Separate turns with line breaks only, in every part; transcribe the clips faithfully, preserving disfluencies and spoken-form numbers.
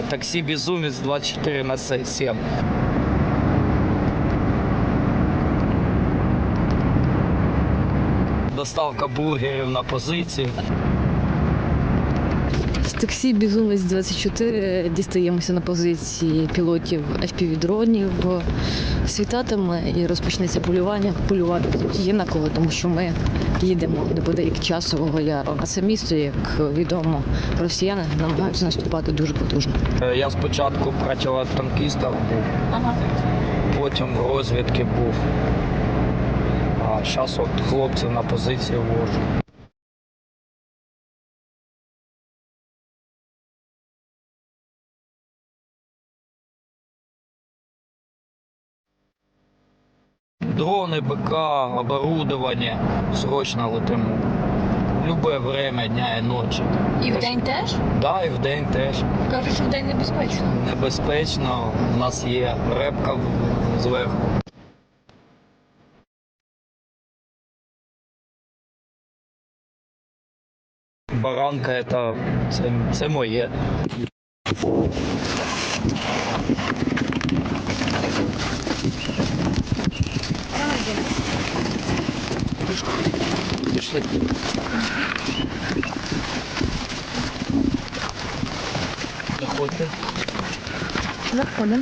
Таксі «Безумець» двадцять чотири на сім. Доставка бургерів на позиції.
З таксі «Безумець» двадцять чотири дістаємося на позиції пілотів еф пі ві-дронів. Світатиме і розпочнеться полювання. Полювати тут є на кого, тому що ми їдемо неподалік Часового Яру. А це місто, як відомо, росіяни намагаються наступати дуже потужно.
Я спочатку противотанкістом був, ага. Потім в розвідки був. А зараз от хлопців на позиції вожу. Дрони, БК, оборудование, срочно летимо. Любе время дня і ночі.
І вдень теж?
Так, да, і вдень теж.
Кажуть, що вдень небезпечно.
Небезпечно, у нас є репка зверху. Баранка це, це, це моє. Пішли. Заходьте.
Заходимо.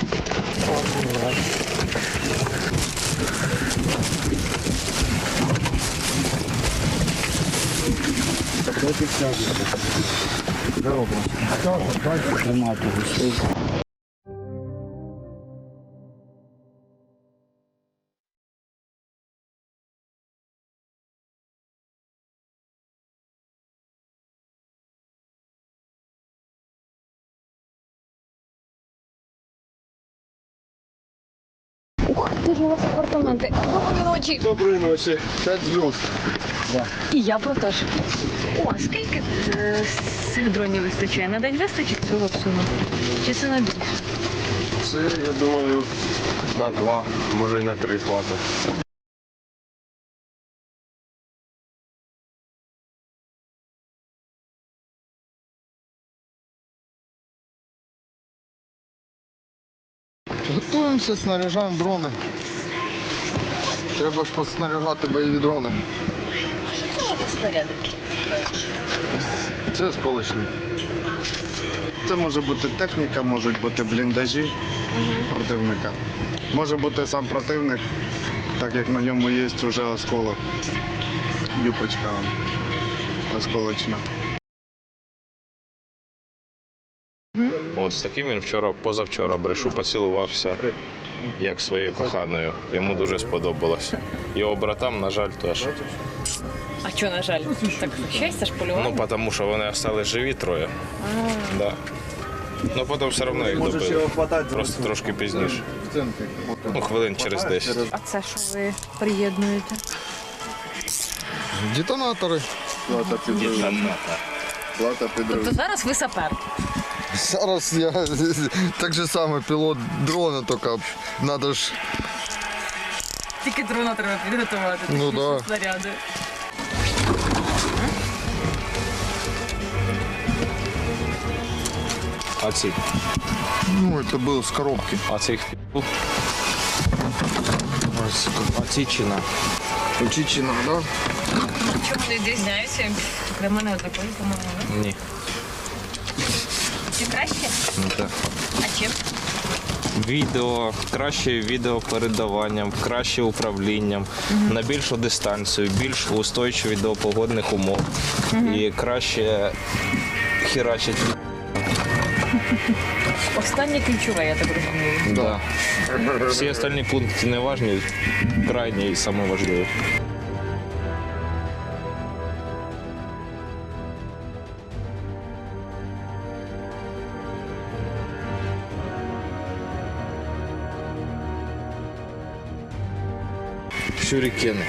Тримайте гостей.
Ух, ти ж у вас апартаменти. Доброї ночі.
Доброї ночі. П'ять зв'язок.
І я про те ж. О, а скільки е, цих дронів вистачає? На день вистачить цього всього? Чи це на більше?
Це, я думаю, на два, може і на три хватить. Готуємося, снаряжаємо дрони. Треба ж поснаряжати бойові дрони. Це сполучник. Це може бути техніка, можуть бути бліндажі противника. Може бути сам противник, так як на ньому є вже осколок. Юпочка осколочна.
От з таким він вчора, позавчора брешу, поцілувався, як своєю коханою. Йому дуже сподобалося. Його братам, на жаль, теж.
А що, на жаль? Так щастя ж полювання?
Ну, тому що вони остались живі троє. Да. Ну, потім все одно їх добили. Просто трошки пізніше. Ну, хвилин через десять.
А це що ви приєднуєте?
Детонатори. Плата підриву. Плата підриву.
Тобто зараз ви сапер?
Зараз я так же само пілот дрона, тільки треба ж.
Тільки дрона треба підготувати.
Ну
такі
да.
снаряди.
А ці?
Ну, це було з коробки.
А цих фі***у? А ці чина?
Чичина, да?
Чому вони відрізняються? Для мене однакові, по-моєму.
Ні.
Чи краще?
Ну, так.
А чим?
Відео, краще відеопередаванням, краще управлінням, на більшу дистанцію, більш устойчиві до погодних умов і краще херачить.
Останнє ключове, я так розумію.
Да. Всі остальні пункти не важні, крайні і саме важливі. Шурікени.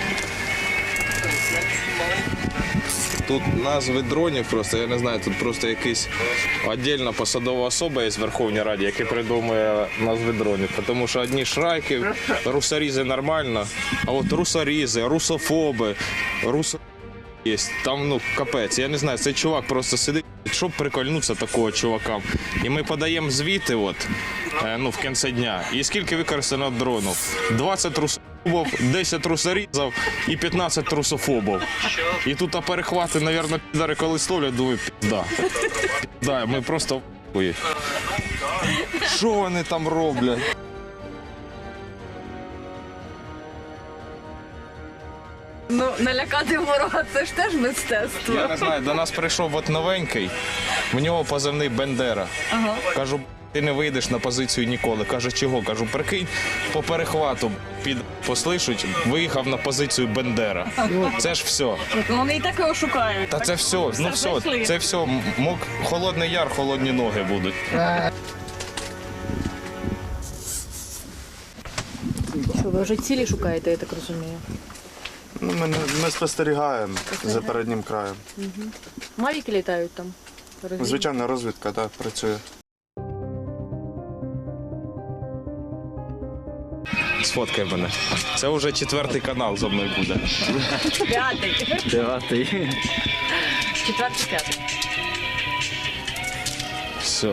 Тут назви дронів просто, я не знаю, тут просто якась окрема посадова особа є в Верховній Раді, яка придумує назви дронів. Тому що одні шрайки, русорізи нормально, а от русорізи, русофоби, русо... є. Там, ну, капець. Я не знаю, цей чувак просто сидить, щоб прикольнутися такого чувака. І ми подаємо звіти, от, е, ну, в кінці дня. І скільки використано дрону? двадцять трусофобів, десять трусорізів і п'ятнадцять трусофобів. І тут а перехвати, мабуть, підари коли ставлять, думаю, пізда. Да, ми просто в***ї. Що вони там роблять?
Ну, налякати ворога це ж теж мистецтво.
Я не знаю, до нас прийшов от новенький, в нього позивний Бендера.
Ага.
Кажу, ти не вийдеш на позицію ніколи. Каже, чого? Кажу, прикинь, по перехвату під послишуть, виїхав на позицію Бендера. Це ж все.
Вони і так його шукають.
Та це все, ну все, це все. Мок, холодний яр, холодні ноги будуть.
Що, ви вже цілі шукаєте, я так розумію?
Ну, ми, не- ми спостерігаємо за переднім краєм.
Мавіки літають там?
Звичайна розвідка, так, працює.
Сфоткай мене. Це вже четвертий канал зо мною буде.
П'ятий.
Дев'ятий.
Четвертий, п'ятий.
Все.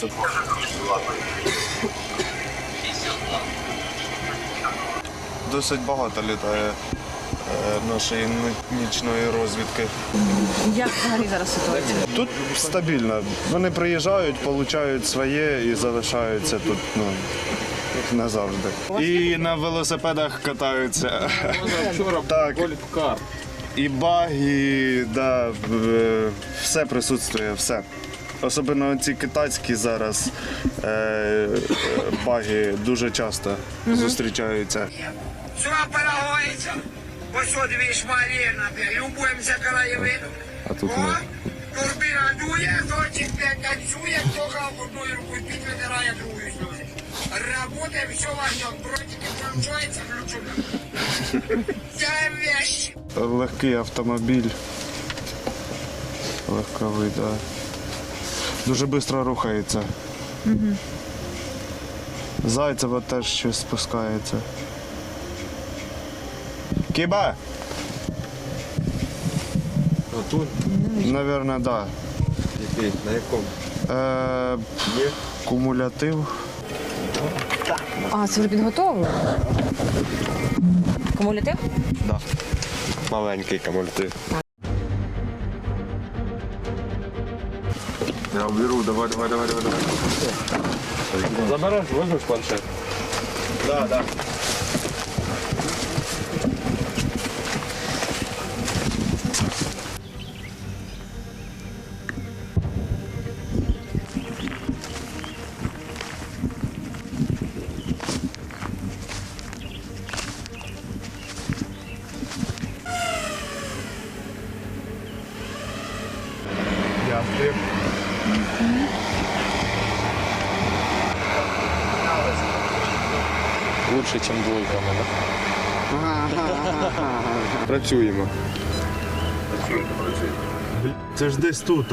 Досить багато літає е, нашої ні- нічної розвідки.
Як взагалі зараз ситуація?
Тут стабільно. Вони приїжджають, получають своє і залишаються тут, ну, назавжди. І на велосипедах катаються. Так. І баги, да, в- все присутствує, все. Особливо ці китайські зараз е, е, баги дуже часто зустрічаються.
Все перегоїться. Ось от дві шмалі, любуємося краєвидом.
А тут
О,
ми.
турбіна дує, хлопчик танцює, хто хав одною рукою під витирає другою сльози. Работаем, все важно, дротики включаються, включено. Це вещь.
Легкий автомобіль. Легковий, так. Да. Дуже швидко рухається. Угу. Зайцева теж щось спускається. Кіба?
Тут?
Навірно, так. Да.
Який? На якому?
Е, кумулятив.
А, це вже підготовлено? Кумулятив?
Да. Маленький кумулятив. Я беру, давай, давай, давай, давай, давай. Забереш, возьмеш планшет?
Да, да. Дякую.
Лучше, ніж двойками, да? Працюємо.
Це ж десь тут.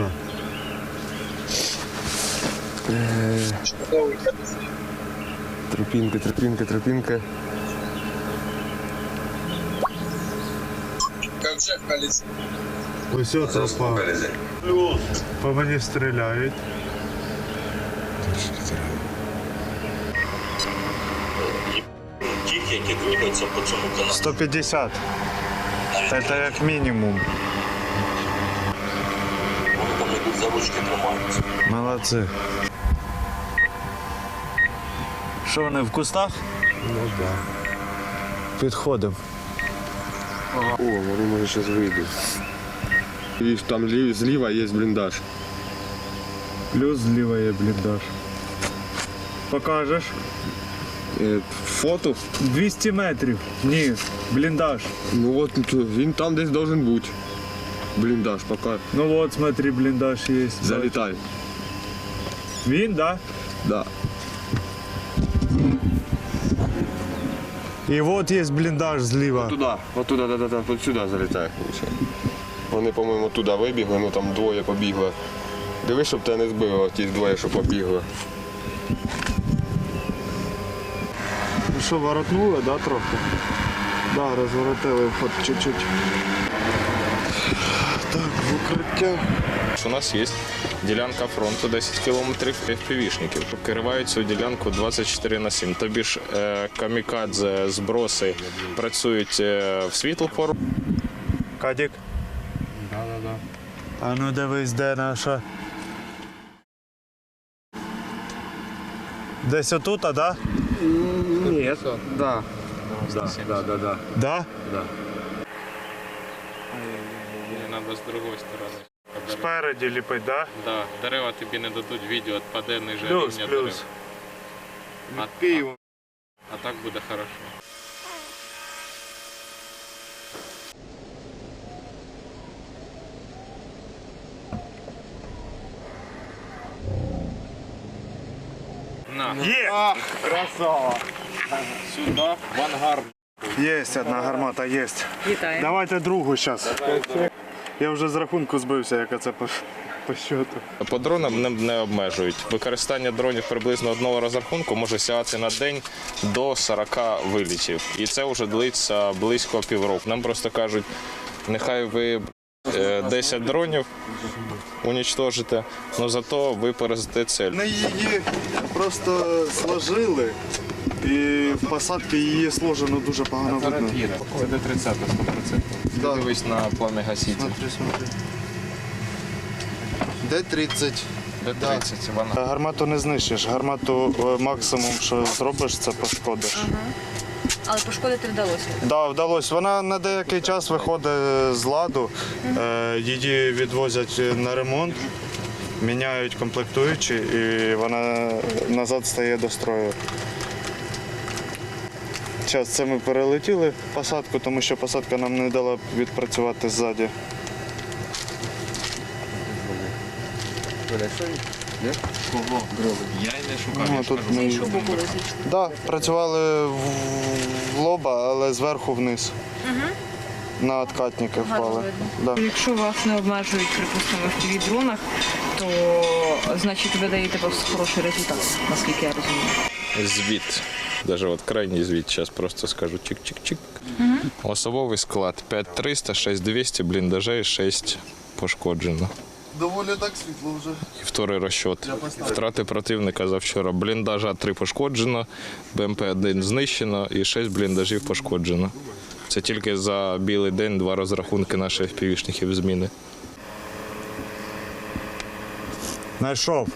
Тропінка, тропінка, тропінка.
Ось о тропа. По мені стріляють.
Ті, які рухаються по цьому каналу.
сто п'ятдесят. Це як мінімум.
Вони там йдуть за ручки, тримаються.
Молодці. Що вони в кустах?
Ну так.
Підходимо.
О, вони може зараз вийдуть. І там лів- зліва є бліндаж.
Плюс зліва є бліндаж. Покажеш?
Е, Фото?
двісті метрів. Ні, бліндаж.
Ну от він там десь должен бути. Бліндаж, поки.
Ну от, смотри, бліндаж є.
Залітай.
Він, да?
Да.
І от є бліндаж зліва.
Туди, от туди, да, да, да, от сюди залітає. Вони, по-моєму, туди вибігли, ну там двоє побігли. Дивись, щоб тебе не збило, ті двоє, що побігли.
Ну що, воротнули, да, трохи? Да, розворотили вход чуть-чуть. укриття.
У нас є ділянка фронту десять кілометрів ефпівішників. Керувають цю ділянку двадцять чотири на сім. Тобі ж е, камікадзе, зброси працюють е, в світлу пору.
Кадік? Да, да, да. А ну дивись, де наша. Десь отут, а да?
Ні, да.
Да, да, да, да. Да? Да.
Мені треба з другої сторони.
Спереді ліпить, да?
Да, дерева тобі не дадуть відео, відпаде ниже
Плюс,
рівня
плюс.
дерев. А,
Київ.
а так буде хорошо. На,
Є!
Красава.
сюди, в ангар.
Є одна гармата, є.
Вітаю.
Давайте другу зараз. Я вже з рахунку збився, яка це по, по щоту.
По дронам не, не обмежують. Використання дронів приблизно одного розрахунку може сягати на день до сорока вилітів. І це вже длиться близько півроку. Нам просто кажуть, нехай ви е, десять дронів унічтожите, але зато ви поразите цель.
Ми її просто сложили, і в посадці її сложено дуже погано видно.
Це Д тридцять, сто відсотків.
Да.
Дивись на пламя гаситель.
Смотри, смотри. Д тридцять.
Д тридцять, вона.
Гармату не знищиш. Гармату е, максимум, що зробиш, це пошкодиш.
Але пошкодити вдалося.
Да, вдалося. Вона на деякий час виходить з ладу, е, її відвозять на ремонт, міняють комплектуючі і вона назад стає до строю. Зараз це ми перелетіли посадку, тому що посадка нам не дала відпрацювати ззаді.
Я й не шукаю.
Ну, тут ми...
Іншого боку лежить.
Да, працювали в в лоба, але зверху вниз. На откатники впали. Да.
Якщо вас не обмежують, припустимо, в тв дронах, то значить ви даєте хороший результат, наскільки я розумію.
Звіт. Даже от крайній звіт, зараз просто скажу чик-чик-чик. Угу. Особовий склад п'ять триста, шість двісті, бліндажей шість пошкоджено.
Доволі так світло вже.
І вторий розчет. Втрати противника за вчора. Бліндажа три пошкоджено, БМП один знищено і шість бліндажів пошкоджено. Це тільки за білий день два розрахунки наших ефпівішників зміни.
Знайшов.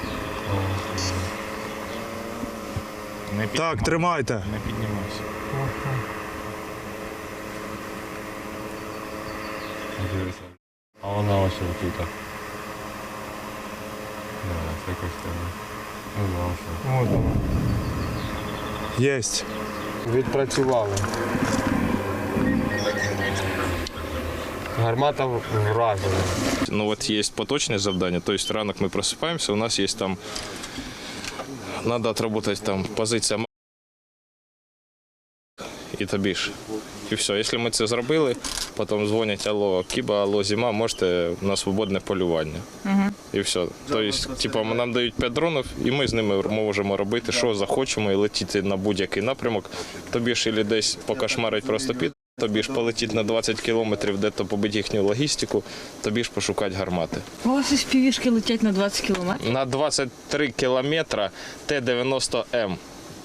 Так, тримайте.
Не піднімайся.
А вона ось тут. Да, це якось там. Не знав, що.
От вона. Єсть.
Відпрацювали. Гармата вражена.
Ну от є поточне завдання, тобто ранок ми просипаємося, у нас є там, треба відробити там позиція і тобі ж. І все, якщо ми це зробили, потім дзвонять, алло, Кіба, алло, зима, можете на свободне полювання. Угу. І все. Тобто, типу, нам дають п'ять дронів, і ми з ними можемо робити, що захочемо, і летіти на будь-який напрямок. Тобі ж і десь покошмарить просто під, тобі ж полетіти на двадцять кілометрів, де-то побити їхню логістику, тобі ж пошукати гармати.
У вас із півішки летять на двадцять кілометрів?
На двадцять три кілометри Т дев'яносто М.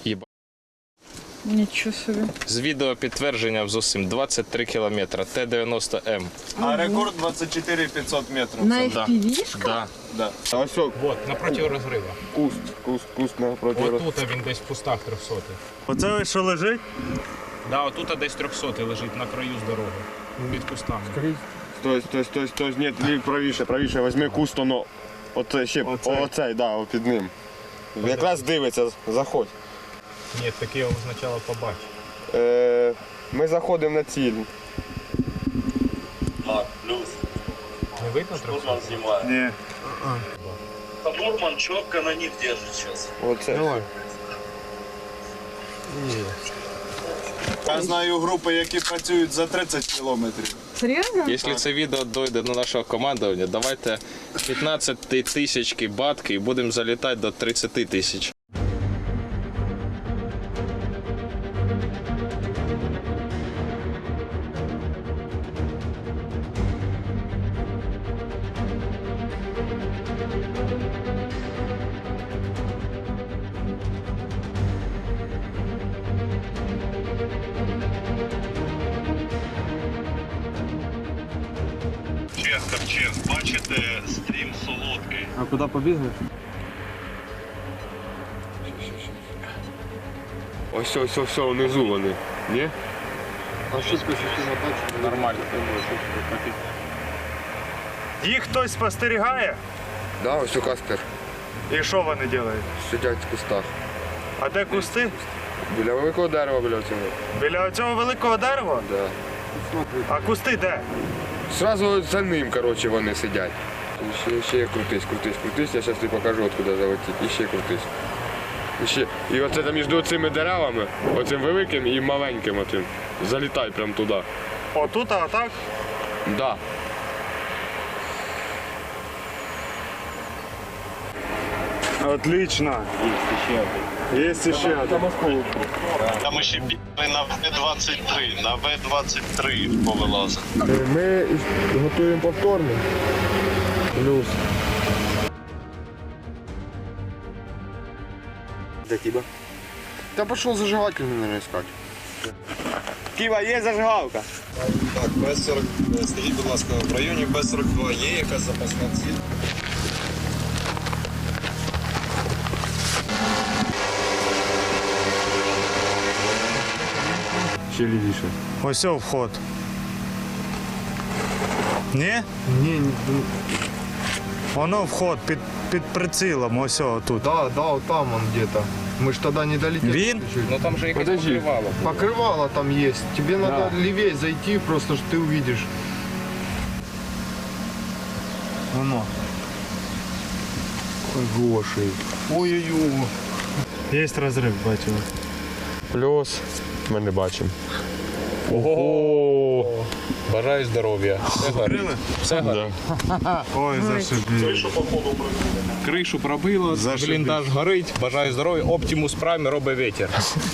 Нічого собі.
З відео підтвердження з усім двадцять три кілометри Т дев'яносто М.
А рекорд двадцять чотири п'ятсот метрів.
На ефпівішках?
Да.
Да.
А ось о,
Вот, напроти розрива.
куст, куст, куст напроти.
Отут він десь в кустах трьохсотий.
Оце ось що лежить?
Да, отут десь трьохсотий лежить на краю з дороги. Під кустами.
Стой, стой, стой, стой, ні, ні, правіше, правіше, візьми куст, воно, оце ще,
Оцей.
оцей, да, о, під ним. Якраз дивиться, заходь.
Ні, таке його спочатку побачив.
Е, ми заходимо на ціль.
А, плюс.
Не видно трьохсотий?
Штурман снимает.
Ні.
Штурман четко на них держит сейчас.
Оце.
Я знаю групи, які працюють за тридцять кілометрів.
Серйозно?
Якщо це відео дойде до нашого командування, давайте п'ятнадцять тисяч батки і будемо залітати до тридцять тисяч.
Ковчег, ковчег. Бачите, стрім солодкий.
А куди побігли?
Ось, ось, ось, внизу вони. Ні?
А що система бачить?
Нормально.
Їх хтось спостерігає?
Да, ось у Каспер.
І що вони роблять?
Сидять в кустах.
А де кусти?
Біля великого дерева, біля цього.
Біля цього великого дерева?
Да.
А кусти де?
Сразу за ним, коротше, вони сидять. І ще, ще крутись, крутись, крутись. Я зараз тобі покажу, откуда залетіть. І ще крутись. І ще. І оце там між цими деревами, оцим великим і маленьким оцим. Залітай прямо туди.
Отут, а так?
Да.
Отлично. Є ще один.
Там ще бігли на Ве двадцять три. На Ве двадцять три повилазили.
Ми готуємо повторно. Плюс. Де Кіба? Та пішов зажигатель, наверное, искать. Кіба, є зажигалка?
Так, Б сорок, скажіть, будь ласка, в районі Б сорок два є якась запасна ціль?
Ще лівіше.
Ось о, вход. Ні?
Ні, ні.
Воно вход під, під прицілом, ось о, тут.
Да, да, вот там он где-то. Мы ж тогда не долетели.
Він?
чуть-чуть.
Ну там же якесь
Подожди.
покривало.
Покрывало там есть. Тебе надо левее зайти, просто что ты увидишь.
Воно.
Гошей. Ой-ой-ой.
Є розрив, бачимо.
Плюс. Ми не бачимо.
Ого! Бажаю здоров'я. Все горить. Все горить.
Ой, зашибись.
Кришу пробило,
Зашибись.
бліндаж горить. Бажаю здоров'я. Оптимус Прайм робить вітер.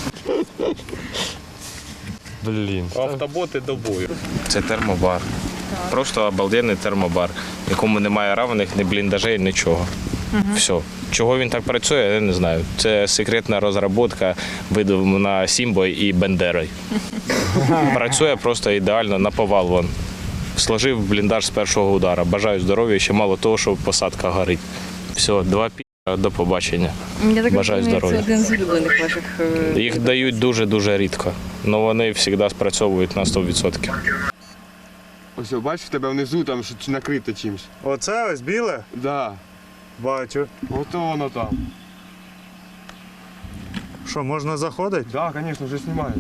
Блін.
Автоботи до бою.
Це термобар. Просто обалденний термобар, в якому немає равних, ні бліндажей, нічого. Все. Чого він так працює, я не знаю. Це секретна розробка, видумана Сімбою і Бендерою. Працює просто ідеально, наповал вон. Сложив бліндаж з першого удара. Бажаю здоров'я, ще мало того, що посадка горить. Все, два пі***, до побачення.
Я так
Бажаю
розумію,
здоров'я.
це один з улюблених ваших. е,
Їх дають дуже-дуже рідко, але вони завжди спрацьовують на сто відсотків.
Ось, бачиш, в тебе внизу там щось накрите чимось.
Оце ось біле?
Да.
Бачу.
Ото воно там.
Що, можна заходити?
Да, звісно, вже знімають.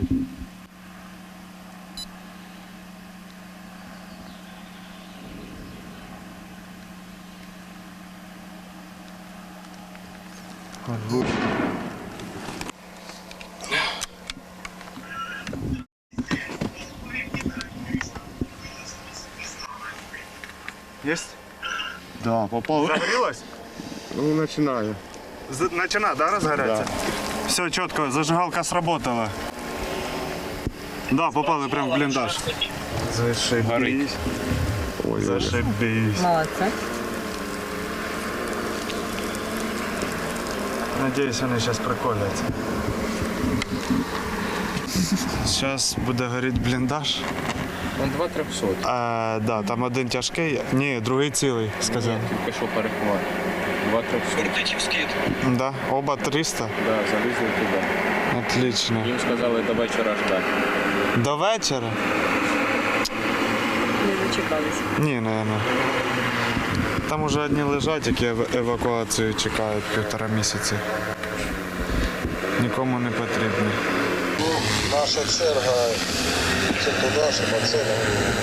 Єсть?
Да, попав.
Загорілось?
Ну, починаю.
З- Начина, да, розгоряться? Все чітко, зажигалка сработала. Да, попали прямо в бліндаж. Зашибись.
Ой,
Зашибись.
Молодце.
Надіюсь, вони зараз приколяться. Зараз буде горіти бліндаж.
Он два трьохсот.
А, да, там один тяжкий, ні, другий цілий, сказав.
Тільки що перехват. Два трьохсот.
Да, оба триста.
Да, залізли туди.
Отлично.
Їм сказали до вечора ждати.
До вечора?
Не дочекалися.
Ні, наверное. Там уже одні лежать, які ев- евакуацію чекають півтора місяці. Нікому не потрібні.
Наша черга це туди, щоб оце не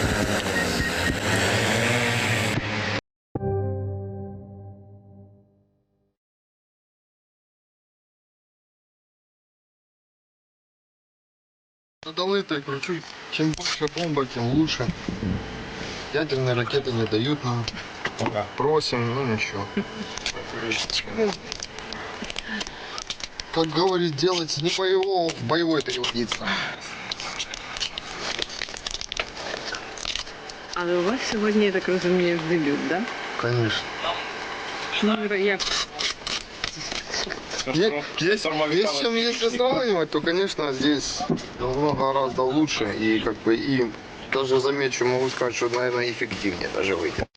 Надолытый кручу. Чем больше бомба, тем лучше. Ядерные ракеты не дают нам. Просим, ну ничего. Как говорит, делать не боевого, боевой переводиться.
Але у вас сьогодні, я так розумію, дебют, да?
Конечно.
Ну, як?
Е- Есть, есть с чем если сравнивать, то, конечно, здесь намного гораздо лучше. И как бы и
Даже замечу, могу сказать, что, наверное, эффективнее даже выйдет.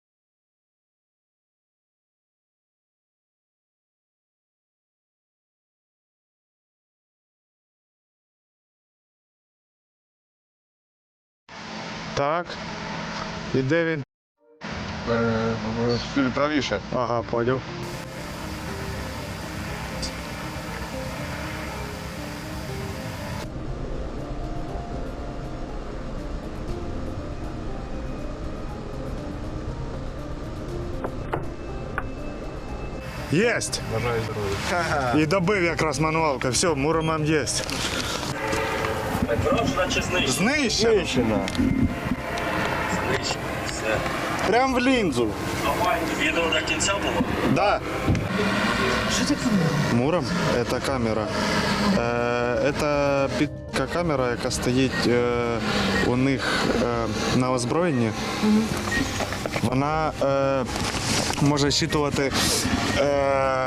Так. І де він?
Правіше.
Ага, поняв. Єсть!
Бажаю здоров'я.
І добив якраз мануалка. Все, Муромам єсть.
Вражена чи знищена?
Знищено.
Знищена.
Все.
Прям в лінзу.
Відео до кінця було?
Да.
Що таке?
Муром – це камера. Е, Це підка камера, яка стоїть е, у них е, на озброєнні. Вона е, може щитувати. Е,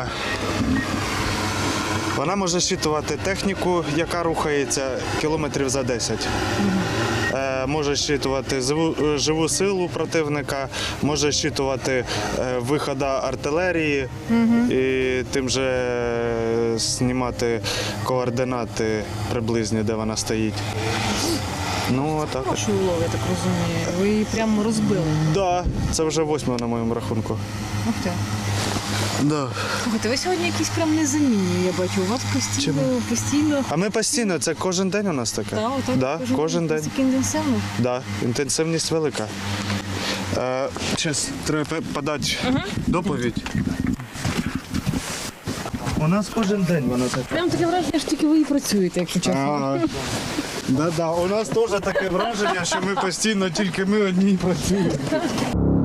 Вона може щитувати техніку, яка рухається кілометрів за десять. Е, може щитувати живу, живу силу противника, може щитувати е, виходи артилерії і тим же е, знімати координати приблизні, де вона стоїть. Ну, отак.
Хороший улов, я так розумію. Ви її прямо розбили.
Да, це вже восьме на моєму рахунку.
Ух ти.
Да.
Слухайте, ви сьогодні якісь прям незамінні, я бачу. У вас постійно, постійно.
А ми постійно, це кожен день у нас таке?
Так, отак,
Да, кожен день.
Таке інтенсивно.
Да, інтенсивність велика. Е, Зараз треба подати доповідь. У нас кожен день вона така.
Прям таке враження, що тільки ви і працюєте, якщо чесно.
Ага. Да-да, у нас теж таке враження, що ми постійно тільки ми одні працюємо.